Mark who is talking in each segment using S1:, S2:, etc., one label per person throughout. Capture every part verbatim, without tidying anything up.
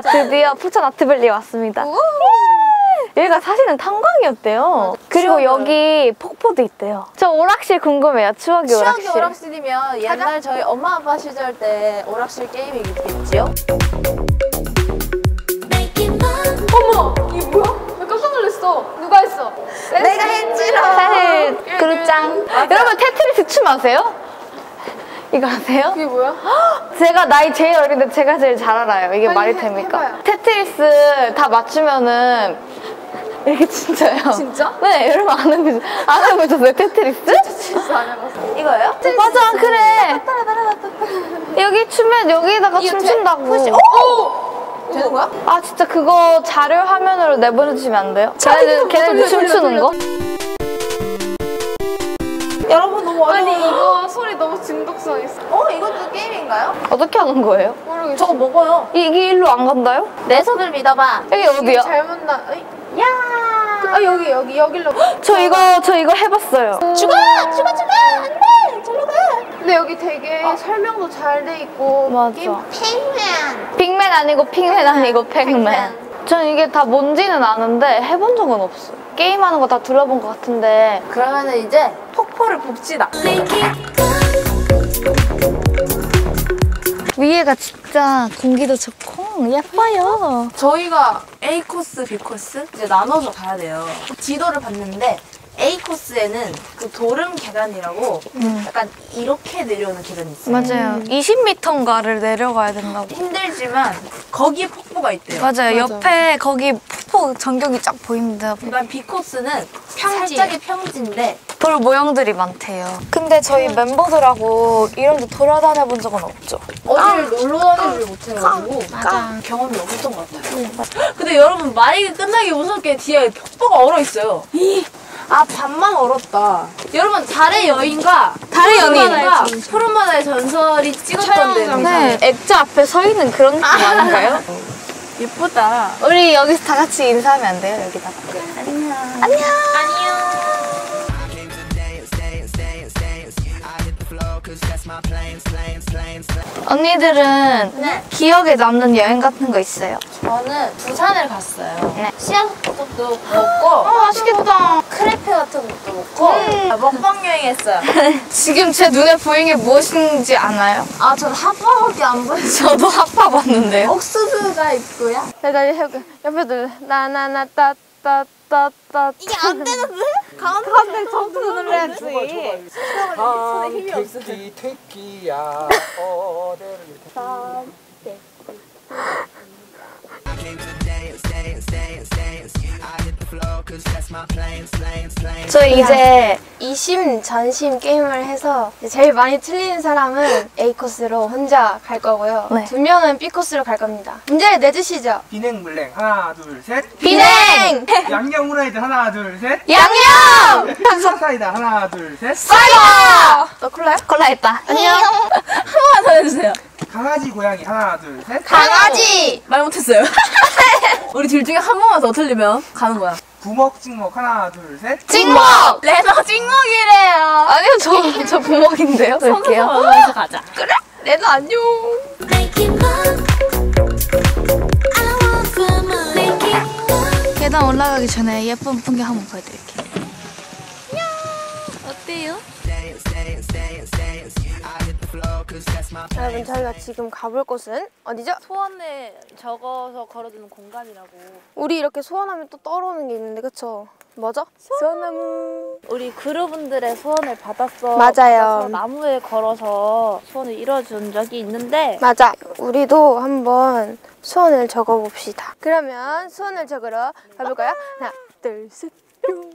S1: 드디어 푸천 아트밸리에 왔습니다. 여기가 사실은 탄광이었대요. 그리고 추억을. 여기 폭포도 있대요. 저 오락실 궁금해요. 추억의, 추억의 오락실.
S2: 추억의 오락실이면 옛날 가자. 저희 엄마 아빠 시절 때 오락실 게임이 있겠지요? 어머! 이게 뭐야? 왜 깜짝 놀랐어? 누가 했어? 내가 했지롱!
S1: 사실 그루짱. 여러분 테트리스 춤 아세요? 이거 아세요?
S2: 이게 뭐야?
S1: 제가 나이 제일 어린데 제가 제일 잘 알아요. 이게 말이 됩니까?
S2: 해봐요.
S1: 테트리스 다 맞추면은 이게 진짜요?
S2: 진짜?
S1: 네, 여러분 안 해보셨어요? 안 해보셨어요? 테트리스?
S2: 진짜 안 해봤어. 이거예요?
S1: 맞아, 그래. 여기 추면 여기다가 춤춘다고.
S2: 푸시. 오! 되는 거야?
S1: 아 진짜 그거 자료 화면으로 내보내주시면 안 돼요? 걔네들, 걔네들 춤추는 거?
S2: 여러분 너무 어려워요.
S3: 아니 이거 소리 너무 중독성 있어.
S2: 어? 이것도 게임인가요?
S1: 어떻게 하는 거예요?
S3: 모르겠어.
S2: 저거 먹어요.
S1: 이게 일로 안 간다요?
S2: 내 손을 믿어봐.
S1: 여기 어디야?
S3: 잘못 나. 어이.
S2: 야!
S3: 아 여기 여기 여기로.
S1: 저 이거 저 이거 해봤어요.
S2: 죽어! 죽어 죽어! 안 돼! 절로 가!
S3: 근데 여기 되게 설명도 잘 돼 있고.
S1: 맞아.
S3: 게임
S2: 팽맨!
S1: 빅맨 아니고 핑맨 아니고 팩맨. 전 이게 다 뭔지는 아는데 해본 적은 없어. 게임하는 거 다 둘러본 것 같은데.
S2: 그러면은 이제 폭포를 봅시다.
S1: 위에가 진짜 공기도 좋고 예뻐요.
S2: 저희가 A 코스, B 코스 이제 나눠서 가야 돼요. 지도를 봤는데 A 코스에는 그 도름 계단이라고
S1: 음.
S2: 약간 이렇게 내려오는 계단이 있어요.
S1: 맞아요. 이십 미터인가를 내려가야 된다고.
S2: 힘들지만 거기에 폭포가 있대요.
S1: 맞아요. 옆에 거기 폭포 전경이 쫙 보입니다.
S2: 그다음 B 코스는 살짝의 평지인데
S1: 돌 모형들이 많대요. 근데 저희 멤버들하고 이런 데 돌아다녀 본 적은 없죠.
S2: 어디를 놀러 다니지 못해가지고
S3: 맞아.
S2: 경험이 없었던 것 같아요. 근데 여러분 말이 끝나기 무섭게 뒤에 폭포가 얼어 있어요. 아 밤만 얼었다. 여러분 달의 여인과
S1: 달의 연인.
S2: 푸른 바다의 전설이 찍었던 데.
S1: 네. 액자 앞에 서 있는 그런 느낌 아닌가요?
S2: 예쁘다.
S1: 우리 여기서 다 같이 인사하면 안 돼요? 여기다가.
S2: 안녕.
S1: 안녕. 언니들은
S2: 네.
S1: 기억에 남는 여행 같은 거 있어요?
S2: 저는 부산을 갔어요.
S1: 네.
S2: 씨앗국도 먹고
S1: 어, 맛있겠다.
S2: 크레페 같은 것도 먹고
S1: 음.
S2: 먹방 여행했어요.
S1: 지금 제 눈에 보이는 게 무엇인지 아나요?
S2: 아 저는 핫바밖에 안 보여요.
S1: 저도 핫바 봤는데요.
S2: 옥수수가 있고요.
S3: 내가 옆에 옆에 들 나나나 따따따따.
S2: 이게 안 되는데?
S3: 가운데 점프 눌러야지.
S2: 손에 힘이 없어.
S4: 퇴끼 퇴끼야 어대를
S1: 저 이제
S3: 이심 전심 게임을 해서 제일 많이 틀리는 사람은 A 코스로 혼자 갈 거고요.
S1: 네.
S3: 두 명은 B 코스로 갈 겁니다. 문제를 내주시죠.
S4: 비냉 물냉 하나 둘셋
S1: 비냉!
S4: 양념 후라이드 하나 둘셋
S1: 양념!
S4: 수박 사이다 하나 둘셋
S1: 사이다!
S3: 너 콜라요?
S1: 콜라 했다.
S2: 안녕. 한 번만 더 해주세요.
S4: 강아지 고양이 하나 둘셋
S2: 강아지! 말 못했어요. 우리 둘 중에 한 번만 더 틀리면 가는 거야.
S4: 부먹 찍먹 하나 둘셋
S1: 찍먹!
S2: 레너 찍먹이래요.
S1: 아니요, 저, 저 부먹인데요. 볼게요.
S2: 선수 가자.
S1: 그래? 레나 안녕. 계단 올라가기 전에 예쁜 풍경 한번 보여드릴게요. 어때요?
S3: 여러분 저희가 지금 가볼 곳은 어디죠?
S2: 소원을 적어서 걸어두는 공간이라고.
S3: 우리 이렇게 소원하면 또 떠오르는 게 있는데 그쵸? 뭐죠? 소원나무.
S2: 우리 그루분들의 소원을 받았어.
S3: 맞아요.
S2: 받아서 나무에 걸어서 소원을 이뤄준 적이 있는데
S3: 맞아. 우리도 한번 소원을 적어봅시다. 그러면 소원을 적으러 가볼까요? 하나, 둘, 셋, 뿅.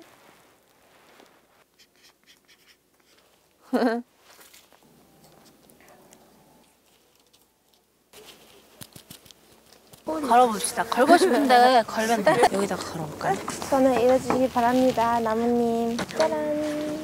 S2: 걸어봅시다. 걸고 싶은데 걸면 돼. 여기다가 걸어볼까요?
S3: 소원을 이뤄주시기 바랍니다. 나무님. 짜란.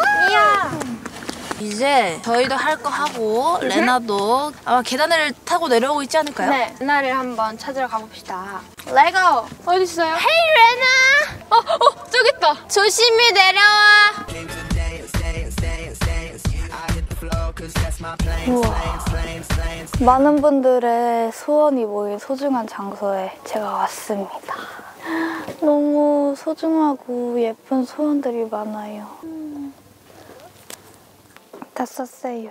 S2: 이제 저희도 할 거 하고 레나도 아마 계단을 타고 내려오고 있지 않을까요?
S3: 네, 레나를 한번 찾으러 가봅시다. 레고! 어디 있어요?
S2: 헤이 레나!
S3: 어, 어, 저기 있다.
S2: 조심히 내려와.
S1: 우와. 많은 분들의 소원이 모인 소중한 장소에 제가 왔습니다. 너무 소중하고 예쁜 소원들이 많아요. 다 썼어요.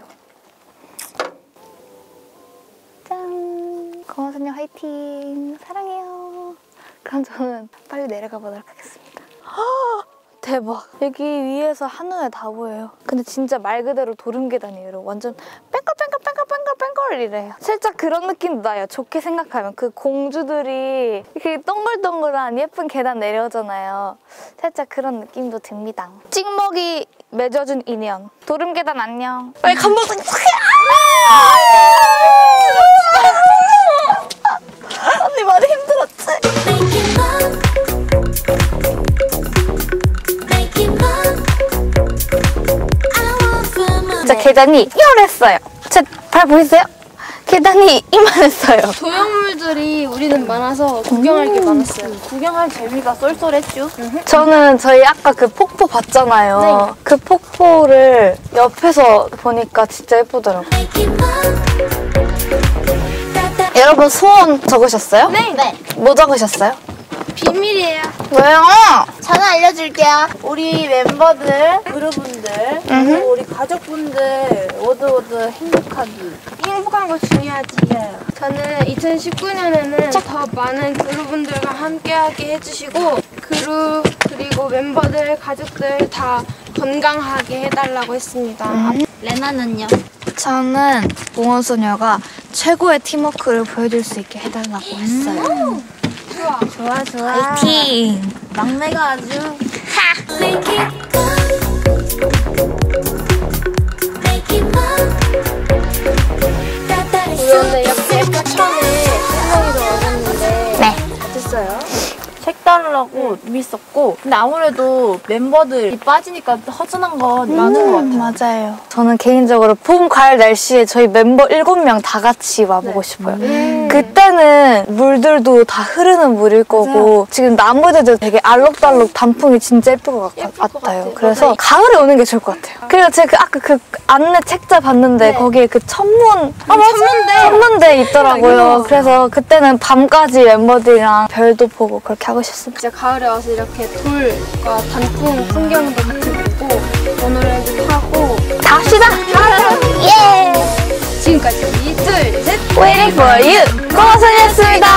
S1: 짠! 고마선녀 화이팅! 사랑해요. 그럼 저는 빨리 내려가 보도록 하겠습니다. 대박! 여기 위에서 한눈에 다 보여요. 근데 진짜 말 그대로 도름 계단이에요. 여러분. 완전 뺑글뺑글뺑글뺑글뺑글이래요. 살짝 그런 느낌도 나요. 좋게 생각하면. 그 공주들이 이렇게 동글동글한 예쁜 계단 내려오잖아요. 살짝 그런 느낌도 듭니다. 찍먹이 맺어준 인연. 도름 계단 안녕. 빨리 감독님. 언니 많이 힘들었지? 진짜 계단이 이만했어요. 제 발 보이세요? 계단이 이만했어요.
S3: 소형물들이 우리는 많아서 구경할 게 많았어요.
S2: 구경할 재미가 쏠쏠했죠.
S1: 저는 저희 아까 그 폭포 봤잖아요. 그 폭포를 옆에서 보니까 진짜 예쁘더라고요. 여러분 소원 적으셨어요?
S3: 네. 네.
S1: 뭐 적으셨어요?
S3: 비밀이에요.
S1: 왜요?
S3: 저는 알려줄게요.
S2: 우리 멤버들, 그룹분들, 그리고 우리 가족분들 모두 모두 행복하기.
S3: 행복한 거 중요하지. 저는 이천십구 년에는 더 많은 그룹분들과 함께하게 해주시고 그룹 그리고 멤버들, 가족들 다 건강하게 해달라고 했습니다.
S2: 레나는요?
S1: 저는 몽원소녀가 최고의 팀워크를 보여줄 수 있게 해달라고 했어요.
S3: 좋아.
S2: 좋아 좋아.
S1: 화이팅!
S2: 막내가 아주
S3: 우리 오늘 이렇게 처음에 설명이 들어왔는데
S1: 네.
S3: 어땠어요?
S2: 색다르고 재밌었고, 근데 아무래도 멤버들이 빠지니까 허전한 건 많은 것 같아요.
S1: 맞아요. 저는 개인적으로 봄, 가을 날씨에 저희 멤버 일곱 명 다 같이 와보고 싶어요. 그때는 물들도 다 흐르는 물일 거고 지금 나무들도 되게 알록달록 단풍이 진짜 예쁠 것, 같,
S2: 예쁠 것
S1: 같아요.
S2: 같아요.
S1: 그래서
S2: 맞아요.
S1: 가을에 오는 게 좋을 것 같아요. 그리고 제가 그 아까 그 안내 책자 봤는데 거기에 그 천문 아, 천문대 천문대 있더라고요. 그래서 그때는 밤까지 멤버들이랑 별도 보고 그렇게 하고 싶습니다.
S3: 진짜 가을에 와서 이렇게 돌과 단풍 풍경도 같이 보고 모노레일도 타고
S1: 다 합시다! 예!
S3: 지금까지 둘, 셋!
S1: Waiting for you! 고마선이었습니다!